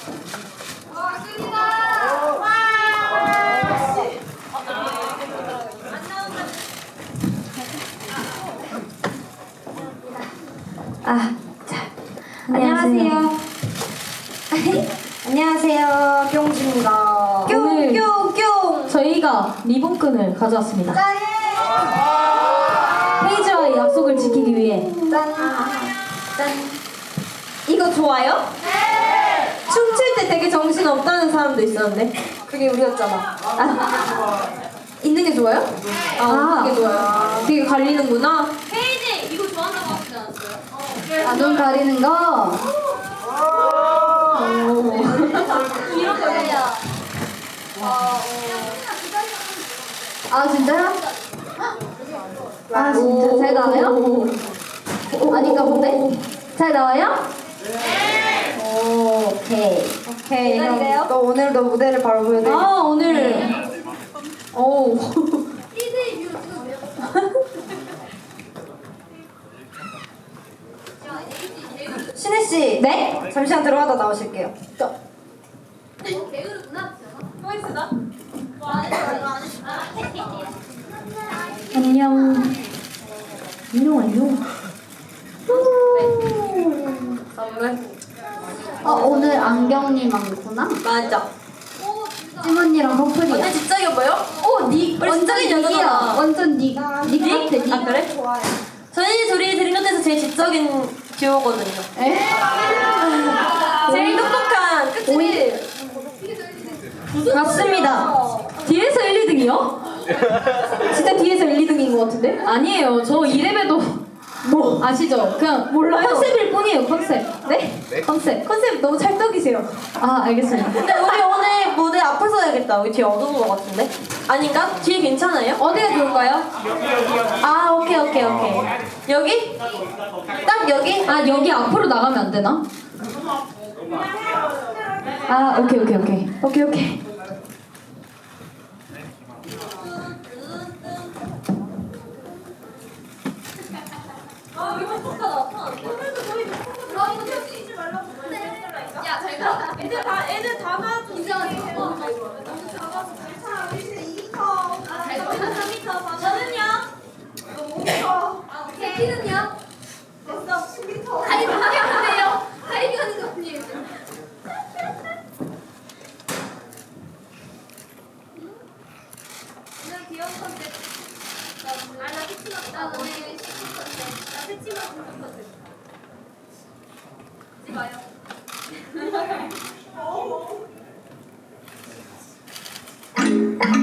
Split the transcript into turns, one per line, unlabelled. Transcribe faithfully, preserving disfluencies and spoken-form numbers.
아, 자, 안녕하세요. 안녕하세요, 뿅지입니다.
오늘
뿅뿅뿅.
저희가 리본끈을 가져왔습니다.
짠!
페이지와의 약속을 지키기 위해.
짠! 짠! 이거 좋아요? 네! 춤출 때 되게 정신 없다는 사람도 있었는데 그게 우리였잖아. 아, 있는 게 좋아요? 아,
아.
있는 게 좋아요. 되게 갈리는구나.
페이지 이거 좋아한다고 하시지 않았어요? 어.
아, 눈 가리는 거.
이런 거예요.
아, 진짜요? 아, 진짜 잘 나와요? 아닌가 본데? 잘 나와요? 네. 오, 오케이.
오케이. 기다리세요.
어,
또 오늘도 무대를 바로 보여드릴게요.
아, 오늘. 오.
피디 뮤 찍어주세요.
신혜 씨.
네?
잠시만 들어가다 나오실게요.
배우구나. 포인트다. 안 했어, 이거 안 했어.
안녕. 안녕, 안녕.
선물.
어, 오늘 안경이 많구나.
맞아.
찜언니랑 커플이야.
완전 지적이 보여?
오, 니
우리 지적인
완전
여자잖아.
니야. 완전 니. 니 같아, 니.
아 그래? 좋아요. 저희 둘이 드린 것에서 제일 지적인 듀오거든요.
에?
제일 똑똑한. 그치?
오이. 맞습니다. 뒤에서 일, 이 등이요? 진짜 뒤에서 일, 이 등인 것 같은데? 아니에요. 저 이래봬도 뭐 아시죠? 그냥 몰라요. 컨셉일 뿐이에요. 컨셉. 네? 컨셉.
컨셉 너무 찰떡이세요.
아, 알겠습니다.
근데 우리 오늘 무대 앞을 서야겠다. 우리 뒤에 어두운 것 같은데? 아닌가? 뒤에 괜찮아요?
어디가 좋을까요?
아 오케이 오케이 오케이. 여기? 딱 여기?
아, 여기 앞으로 나가면 안 되나? 아, 오케이, 오케이, 오케이. 오케이, 오케이.
아, 이거 효과 나타났네. 아, 이거 찍지 말라고. 야, 잘 가. 애들 다, 애들 다 가서 이상하게 해. 너무 작아서 괜찮아. 우리 이 미터. 아, 잘 가. 삼 미터. 저는요? 오 미터. 아, 오케이. 키는요? 됐어. 십 미터. 아니, 하게 안 돼요. 하이게 하는 거 아니에요. 그냥 귀여운 컨셉. 아, 나 새치마. 나 오늘 시크 컨셉. 나 새치마 컨셉. 하지 마요.